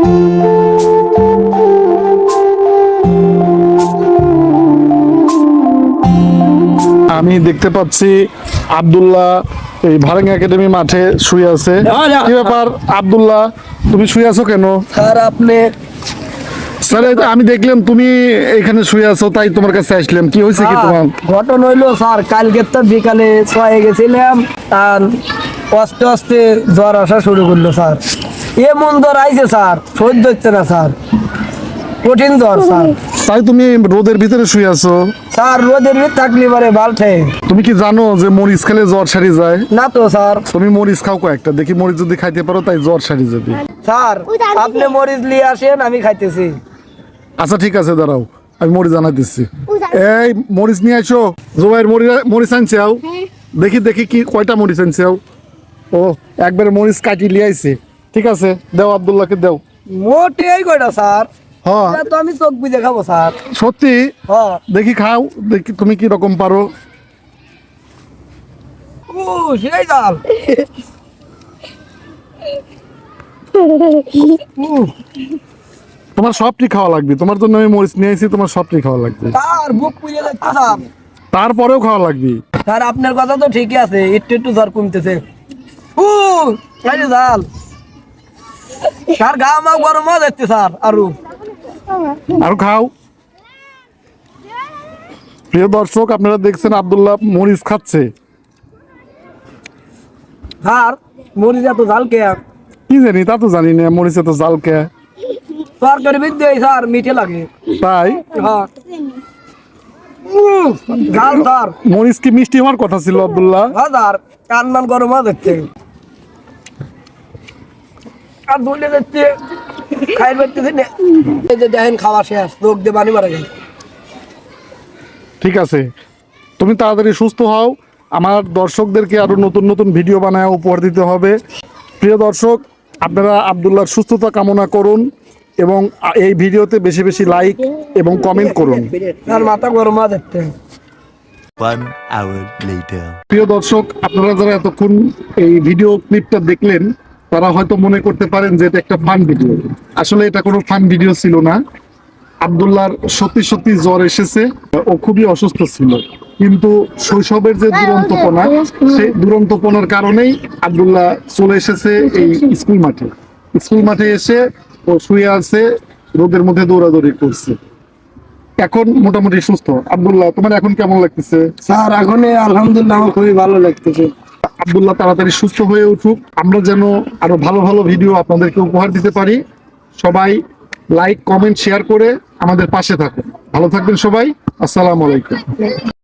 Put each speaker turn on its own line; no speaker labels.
আমি দেখতে পাচ্ছি আব্দুল্লাহ এই ভারেঙ্গা একাডেমি মাঠে শুয়ে আছে। কি ব্যাপার আব্দুল্লাহ, তুমি শুয়ে আছো কেন?
স্যার আপনি
স্যার আমি দেখলাম তুমি এখানে শুয়ে আছো, তাই তোমার কাছে আসলাম। কি হয়েছে কি তোমার?
ঘটনা হইলো স্যার, কালকে তো বিকালে শোয়ে গেছিলাম, আর আস্তে আস্তে জ্বর আসা শুরু করলো স্যার। এমন জ্বর আইছে স্যার, সহ্য হচ্ছে না স্যার, কঠিন জ্বর স্যার।
তাই তুমি রোদের ভিতরে শুয়ে আছো?
স্যার রোদের ভিতরে থাকলে পারে বালঠে।
তুমি কি জানো যে মরিচ খেলে জ্বর সারি যায়?
না তো স্যার।
তুমি মরিচ খাও কয়েকটা, দেখি মরিচ যদি খাইতে পারো তাই জ্বর সারি যাবে।
স্যার আপনি মরিচ নিয়ে আসেন, আমি খাইতেছি।
আচ্ছা ঠিক আছে, দাঁড়াও আমি মরিচ জানাইতেছি। এই মরিচ নিয়ে আসো। জোবাইর মরিচ আনছে আও, দেখি দেখি কি কয়টা মরিচ আনছে আও। ও একবারে মরিচ কাটি লিয়ে আইছে। ঠিক আছে, দাও আব্দুল্লাহকে দাও।
মোটে এই কয়টা স্যার?
হ্যাঁ
এটা তো আমি চোখ বুঝে খাবো স্যার।
সত্যি?
হ্যাঁ।
দেখি খাও, দেখি তুমি কি রকম পারো।
ও সেই জাল।
তোমার সবটি খাওয়া লাগবে, তোমার জন্য আমি মরিচ নিয়ে আইছি, তোমার সবটি খাওয়া লাগবে।
স্যার বুক পুড়ে যাচ্ছে স্যার।
তারপরেও খাওয়া লাগবে।
স্যার আপনার কথা তো ঠিকই আছে, একটু একটু জ্বর কমতেছে। ও আরে জাল স্যার, গা মা গরম হয়ে যাচ্ছে স্যার।
আরো খাও। প্রিয় দর্শক, আপনারা দেখছেন আব্দুল্লাহ মরিচ খাচ্ছে।
স্যার মরিচ এত জাল কে?
কি জানি, তা তো জানি না মরিচে তো জাল কে।
তরকারি বিদ্যে স্যার মিঠে লাগে।
তাই?
হ্যাঁ জাল স্যার।
মরিচ কি মিষ্টি হওয়ার কথা ছিল আব্দুল্লাহ?
হ্যাঁ স্যার, কান মান গরম হয়ে যাচ্ছে আর ধুলে যাচ্ছে, খাইতে পারতেছি না। এই যে দেখেন খাওয়া শেষ, লোক দিয়ে বানি মারা গেল।
ঠিক আছে, তুমি তাড়াতাড়ি সুস্থ হও। আমার দর্শকদেরকে আরো নতুন নতুন ভিডিও বানায় উপহার দিতে হবে। প্রিয় দর্শক, আপনারা আব্দুল্লাহর সুস্থতা কামনা করুন এবং এই ভিডিওতে বেশি বেশি লাইক এবং কমেন্ট করুন।
আর মাথা গরম হয়ে যাচ্ছে।
1 hour later.
প্রিয় দর্শক, আপনারা যারা এতক্ষণ এই ভিডিও ক্লিপটা দেখলেন তারা হয়তো মনে করতে পারেন যে এটা একটা ফান ভিডিও। আসলে এটা কোনো ফান ভিডিও ছিল না। আব্দুল্লাহর সত্যি সত্যি জ্বর এসেছে, ও খুবই অসুস্থ ছিল, কিন্তু শৈশবের যে দুরন্তপনা, সেই দুরন্তপনার কারণেই আব্দুল্লাহ চলে এসেছে এই স্কুল মাঠে এসে ও শুয়ে আছে, রোদের মধ্যে দৌড়াদৌড়ি করছে। এখন মোটামুটি সুস্থ। আব্দুল্লাহ, তোমার এখন কেমন লাগতেছে?
স্যার এখন আলহামদুলিল্লাহ আমার খুবই ভালো লাগতেছে।
আব্দুল্লাহ তাড়াতাড়ি সুস্থ হয়ে উঠুক, আমরা যেন আরো ভালো ভালো ভিডিও আপনাদেরকে উপহার দিতে পারি। সবাই লাইক কমেন্ট শেয়ার করে আমাদের পাশে থাকুন। ভালো থাকবেন সবাই। আসসালামু আলাইকুম।